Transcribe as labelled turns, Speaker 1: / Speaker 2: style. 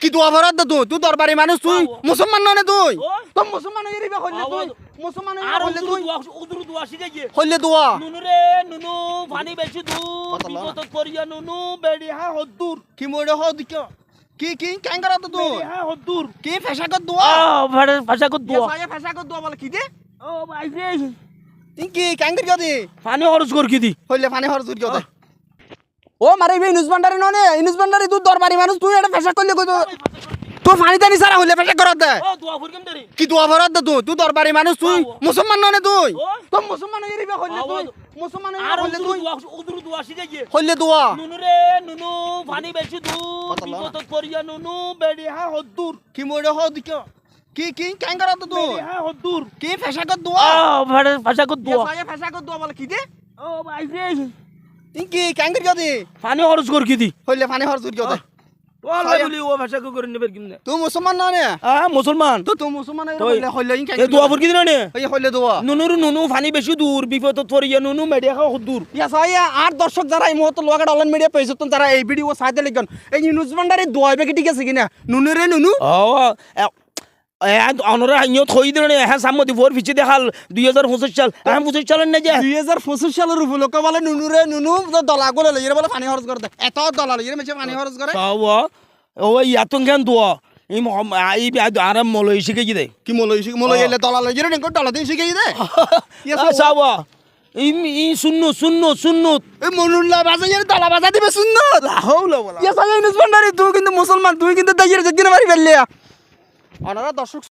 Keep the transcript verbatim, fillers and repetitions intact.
Speaker 1: কি দোয়া ভরাত তুই তুই দরবারি মানুষ তুই মুসলমান নয় তুই তো মুসলমান হয়ে রিবা কইলে তুই মুসলমান হয়ে কইলে তুই
Speaker 2: উদুরু দোয়া শিখে গিয়ে
Speaker 1: কইলে দোয়া
Speaker 2: নুনু রে নুনু পানি বেশি দূর বিপদ করিয়া নুনু বেড়ি হা হদ্দুর
Speaker 1: কি মরে হ দিক কি কি কেন করা তো তুই
Speaker 2: বেড়ি হা হদ্দুর
Speaker 1: কি ফেসা কর দোয়া
Speaker 2: আ ভাড়া ভাষা কো দোয়া
Speaker 1: সায়া ফেসা কর দোয়া বলে কি দে
Speaker 2: ও ভাই রে
Speaker 1: তুই কি কেন করি দি
Speaker 2: পানি খরচ কর কি দি
Speaker 1: কইলে পানি খরচ করি দে ও মারে ভাই নিউজ ভান্ডারি ননে নিউজ ভান্ডারি তুই দরবারি মানুষ তুই এটা ফেসা করলে কই তুই পানি টানি সারা হইলে ফেসা কর দে
Speaker 2: ও দোয়া ফুরকেম দেরি
Speaker 1: কি দোয়া ভরাত তুই তুই দরবারি মানুষ তুই মুসলমান নয় তুই তো মুসলমান হয়ে রিবা কইলে তুই মুসলমান হয়ে
Speaker 2: আর
Speaker 1: কইলে
Speaker 2: উদুরু
Speaker 1: তুই
Speaker 2: দোয়া উদুরু দোয়া শিখে গিয়ে
Speaker 1: কইলে দোয়া
Speaker 2: নুনু রে নুনু পানি বেশি দূর বিপদ করিয়া নুনু বেড়ি হা হদ্দুর
Speaker 1: কি মরে হ দিক কি কি কেন করা তো তুই
Speaker 2: বেড়ি হা হদ্দুর
Speaker 1: কি ফেসা কর দোয়া
Speaker 2: আ ভাড়া ভাষা কো দোয়া
Speaker 1: সায়া ফেসা কর দোয়া বলে কি দে
Speaker 2: ও ভাই রে
Speaker 1: তুই কি কেন করি দি
Speaker 2: পানি খরচ কর কি দি
Speaker 1: কইলে পানি খরচ করি দে
Speaker 2: ও আল্লাহ বলি ও ভাষা কো করে নেবে কিনে
Speaker 1: তুই মুসলমান নয়
Speaker 2: আ মুসলমান
Speaker 1: তো তুই মুসলমান হয়ে কইলে কইলে কেন
Speaker 2: এ দোয়া ফুর কি দিন নে
Speaker 1: এই কইলে দোয়া
Speaker 2: নুনুর নুনু পানি বেশি দূর বিপদ পড়িয়া নুনু মেডিয়া খাও দূর
Speaker 1: ইয়া সায়া আর দর্শক যারা এই মুহূর্তে লোয়াগাড় অনলাইন মিডিয়া পেয়েছে তো তারা এই ভিডিও সাইতে লিখুন এই নিউজ ভান্ডারে দোয়া হবে কি ঠিক আছে কিনা নুনু রে নুনু
Speaker 2: ও অনরা হাইও থই দিন হ্যাঁ সামদি ভোর পিছে দেখাল দুই হাজার পঁচিশ সাল হ্যাঁ পঁচিশ সালের না যে
Speaker 1: দুই হাজার পঁচিশ সালের উপলক্ষে বলে নুনু রে নুনু দলা গুলো লইরে বলে পানি খরচ করে দেয় এত দলা লইরে মেছে পানি খরচ করে
Speaker 2: সাও ও ইয়াতন কেন দোয়া এই এই আরাম মলই শিখে কি দে
Speaker 1: কি মলই শিখ মলই এলে দলা লইরে নেকো দলা দিন শিখাই দে
Speaker 2: সাও এই এই শুননু শুননু শুননু
Speaker 1: এই মনুল্লাহ বাজাইয়ের দলা বাজা দিবে শুননো
Speaker 2: হাওলা বলা
Speaker 1: ইয়া সায়া নিউজ ভান্ডারে তুই কিন্তু মুসলমান তুই কিন্তু দাইয়ের জগিনে মারি ফেললিয়া ওনারা দর্শক